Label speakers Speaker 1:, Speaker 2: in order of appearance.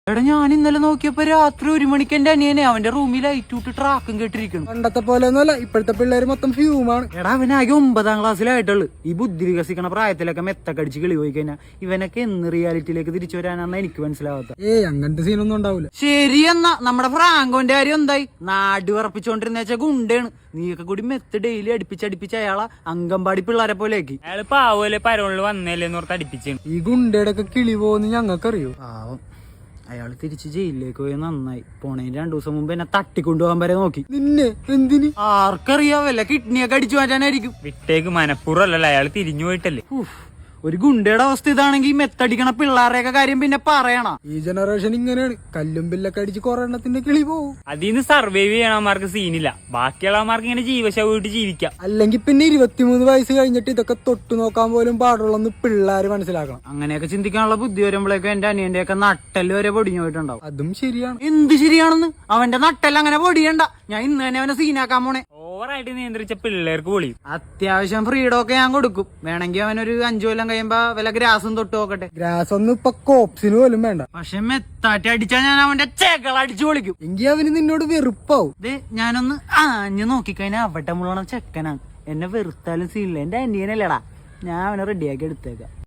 Speaker 1: എടാ ഞാൻ ഇന്നലെ നോക്കിയപ്പോ രാത്രി 1 മണിക്ക് എന്റെ അനിയനെ അവന്റെ റൂമിൽ ലൈറ്റ് ഇട്ട് ട്രാക്കും കേട്ടിരിക്കണം.
Speaker 2: പണ്ടത്തെ പോലെ ഒന്നുമല്ല, ഇപ്പോഴത്തെ പിള്ളേര് മൊത്തം ഫ്യൂമാണ്.
Speaker 1: എടാ അവനാകെ 9ാം ക്ലാസ്സിലായിട്ടുള്ളു. ഈ ബുദ്ധി വികസിക്കണ പ്രായത്തിലൊക്കെ മെത്തക്കടിച്ച് കിളി പോയി കഴിഞ്ഞാൽ ഇവനൊക്കെ എന്ന് റിയാലിറ്റിയിലേക്ക് തിരിച്ചു വരാനാന്ന് എനിക്ക് മനസ്സിലാവാത്ത.
Speaker 2: അങ്ങനത്തെ സീനൊന്നും ഉണ്ടാവില്ല.
Speaker 1: ശരി എന്നാ നമ്മുടെ ഫ്രാങ്കോന്റെ കാര്യം എന്തായി? നാട് ഉറപ്പിച്ചോണ്ടിരുന്ന വെച്ചാൽ ഗുണ്ടയാണ്. നീയൊക്കെ കൂടി മെത്ത് ഡെയിലി അടുപ്പിച്ചടിപ്പിച്ച് അയാളെ അങ്കമ്പാടി പിള്ളേരെ പോലെ ആക്കി.
Speaker 3: അയാള് പാവല്ലേ പരോളില് വന്നേലെന്ന് ഓർത്ത് അടുപ്പിച്ചാണ്.
Speaker 2: ഈ ഗുണ്ടയുടെ ഒക്കെ കിളി പോകുന്ന ഞങ്ങൾക്കറിയോ?
Speaker 1: പാവം അയാള് തിരിച്ച് ജയിലിലേക്ക് പോയി. നന്നായി. പോണേന് 2 ദിവസം മുമ്പ് എന്നെ തട്ടിക്കൊണ്ടുപോകാൻ വരെ നോക്കി.
Speaker 2: നിന്നെ എന്തിന്?
Speaker 1: ആർക്കറിയാവല്ല, കിഡ്നിയൊക്കെ അടിച്ചു മാറ്റാനായിരിക്കും.
Speaker 3: വിട്ടേക്ക് മനപ്പൂർവ്വമല്ലല്ലോ, അയാള് തിരിഞ്ഞു പോയിട്ടല്ലേ.
Speaker 1: ഒരു ഗുണ്ടയുടെ അവസ്ഥ ഇതാണെങ്കിൽ മെത്തടിക്കണ പിള്ളേരുടെയൊക്കെ കാര്യം പിന്നെ പറയണ.
Speaker 2: ഈ ജനറേഷൻ ഇങ്ങനെയാണ്. കല്ലും ബില്ലൊക്കെ അടിച്ച് കുറെ എണ്ണത്തിന്റെ കിളി പോവും.
Speaker 3: അതിന്ന് സർവൈവ് ചെയ്യണമാർക്ക് സീനില്ല. ബാക്കിയുള്ളവന്മാർക്ക് ഇങ്ങനെ ജീവശവമായിട്ട് ജീവിക്കാം.
Speaker 2: അല്ലെങ്കിൽ പിന്നെ 23 വയസ്സ് കഴിഞ്ഞിട്ട് ഇതൊക്കെ തൊട്ടു നോക്കാൻ പോലും പാടുള്ളന്ന് പിള്ളേര് മനസ്സിലാക്കണം.
Speaker 1: അങ്ങനെയൊക്കെ ചിന്തിക്കാനുള്ള ബുദ്ധി വരുമ്പോഴേക്കും എന്റെ അനിയന്റെ ഒക്കെ നട്ടെല്ല് വരെ പൊടിഞ്ഞു പോയിട്ടുണ്ടാവും.
Speaker 2: അതും ശരിയാണ്.
Speaker 1: എന്ത് ശരിയാണെന്ന്? അവന്റെ നട്ടെല്ലാം അങ്ങനെ പൊടിയണ്ട. ഞാൻ ഇന്ന് തന്നെ അവനെ സീനാക്കാൻ പോണേ.
Speaker 3: ഓവറായിട്ട് നിയന്ത്രിച്ച പിള്ളേർക്ക് പൊളിയും.
Speaker 1: അത്യാവശ്യം ഫ്രീഡം ഒക്കെ ഞാൻ കൊടുക്കും. വേണമെങ്കിൽ അവനൊരു 5 കൊല്ലം കഴിയുമ്പോ വല്ല ഗ്രാസും തൊട്ട് നോക്കട്ടെ.
Speaker 2: ഗ്രാസ് ഒന്നും ഇപ്പൊ കോപ്സിന് പോലും വേണ്ട.
Speaker 1: പക്ഷെ മെത്താറ്റി അടിച്ചാൽ ഞാൻ അവന്റെ ചേക്കൾ അടിച്ചു പൊളിക്കും.
Speaker 2: എങ്കിൽ അവന് നിന്നോട് വെറുപ്പാവും.
Speaker 1: ഞാനൊന്ന് ആഞ്ഞു നോക്കിക്കഴിഞ്ഞാൽ അവിടെ മുഴുവൻ ചെക്കനാണ്. എന്നെ വെറുത്താലും സീനില്ല. എന്റെ അനിയനല്ലേടാ. ഞാൻ അവനെ റെഡിയാക്കി എടുത്തേക്കാം.